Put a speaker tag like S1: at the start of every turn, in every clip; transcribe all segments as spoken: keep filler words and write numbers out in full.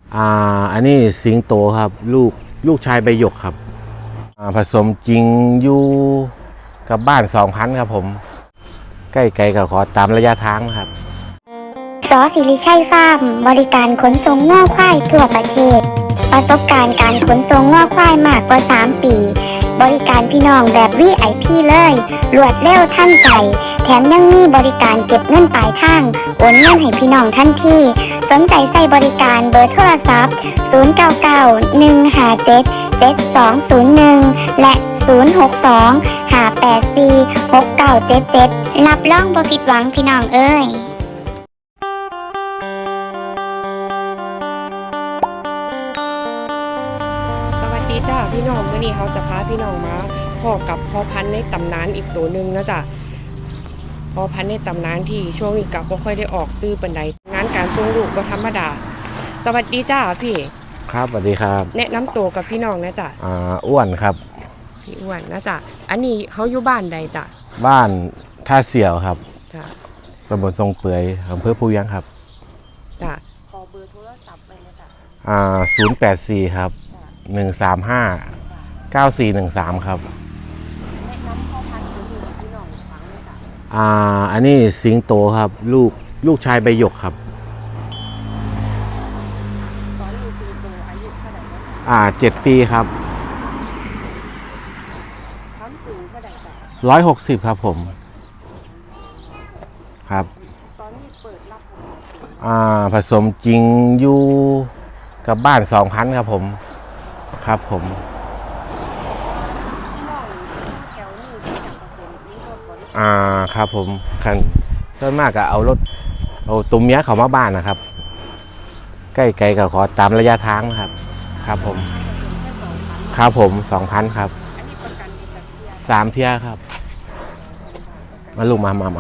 S1: อ่าอันนี้สิงโตครับลูกลูกชายใบหยกครับอ่าผสมจริงอยู่กับบ้านสองพันครับผมใกล้ไกลกับขอตามระยะทางนะครับ
S2: สอสิริชัยฟาร์มบริการขนส่งง่อควายทั่วประเทศประสบการณ์การขนส่งง่อควายมากกว่าสามปีบริการพี่น้องแบบ วี ไอ พี เลยรวดเร็วทันใจแถมยังมีบริการเก็บเงินปลายทางโอนเงินให้พี่น้องทันทีสนใจใส่บริการเบอร์โทรศัพท์ศูนย์ เก้า เก้า หนึ่ง ห้า เจ็ด เจ็ด สอง ศูนย์ หนึ่งและศูนย์ หก สอง ห้า แปด สี่ หก เก้า เจ็ด เจ็ดรับรองบ่ผิดหวังพี่น้องเอ้ย
S3: สวัสดีจ้าพี่น้องวันนี้เขาจะพาพี่น้องมาพ่อกับพ่อพันธุ์ในตำนานอีกตัวหนึ่งนะจ้ะพ่อพันธุ์ในตำนานที่ช่วงนี้กับบ่ค่อยได้ออกซื้อปันใดงานการส่งลูกบ่ธรรมดาสวัสดีจ้าพี่
S1: ครับสวัสดีครับ
S3: แนะนำตัวกับพี่น้องนะจ้ะ
S1: อ่าอ้วนครับ
S3: พี่อ้วนนะจ้ะอันนี้เขาอยู่บ้านใดจ้ะ
S1: บ้านท่าเสี่ยวครับ
S3: จ้ะ
S1: ตำบลทรงเปื่อยอำเภอภูยังครับ
S3: จ้ะขอเบอร์โทรศัพท์ไปนะจ้ะ
S1: อ่าศูนย์แปดสี่ครับหนึ่งสามห้าเก้าสี่หนึ่งสามครับ
S3: แนะนำพ่อพันธุ์ตัวนี้พี่น้องฟังนะจ้ะ
S1: อ่าอันนี้สิงโตครับลูกลูกชายใบหยกครับ
S3: ตอนนี้สิงโตอายุเท่าไหร่แล้ว
S1: อ่าเจ็ดปีครับ
S3: ความสูงเท่าไหร่จ้ะ
S1: ร้อยหกสิบครับผมครับ
S3: ตอนนี้เปิดรับ
S1: อ่าผสมจริงอยู่กับบ้านสองพันครับผมครับผมอ่าครับผมคันส่วนมากก็เอารถเอาตุ้มเมียเขามาบ้านนะครับใกล้ไกลก็ขอตามระยะทางนะครับครับผมครับผมสองพันครับสามเที่ยครับมาลูกมามามา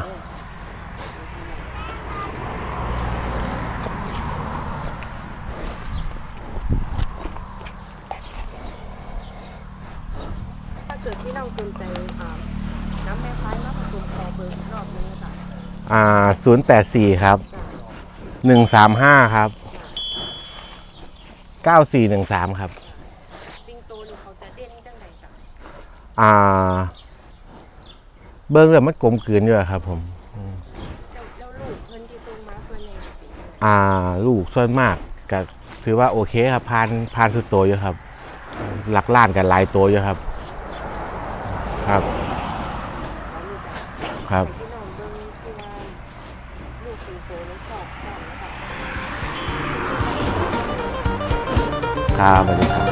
S3: ถ้าเกิดที่น้องสนใจน้ำแม่พายมาผสมคอเบอร์อีกรอบนึงนะจ๊ะ
S1: อ่าศูนย์แปดสี่ครับหนึ่งสามห้าครับเก้าสี่หนึ่งสามครับ
S3: สิงโตนี่เขาจะเด่นจังไหนจ๊ะ
S1: อ่าเบิ้งแบบมันกลมกลืนอยู่ครับผม
S3: แล้วลูกเพิ่นที่ส่งมาเพิ่นยัง
S1: อ่าลูกส่วนมากก็ถือว่าโอเคครับพานพานสุดโตอยู่ครับหลักล้านกันหลายตัวอยู่ครับครับครับ
S3: พี่น้องเบิ่งที่ว่าลูกสิงโตนั้นชอบชอบนะคะ
S1: ครับสวัสดีครับ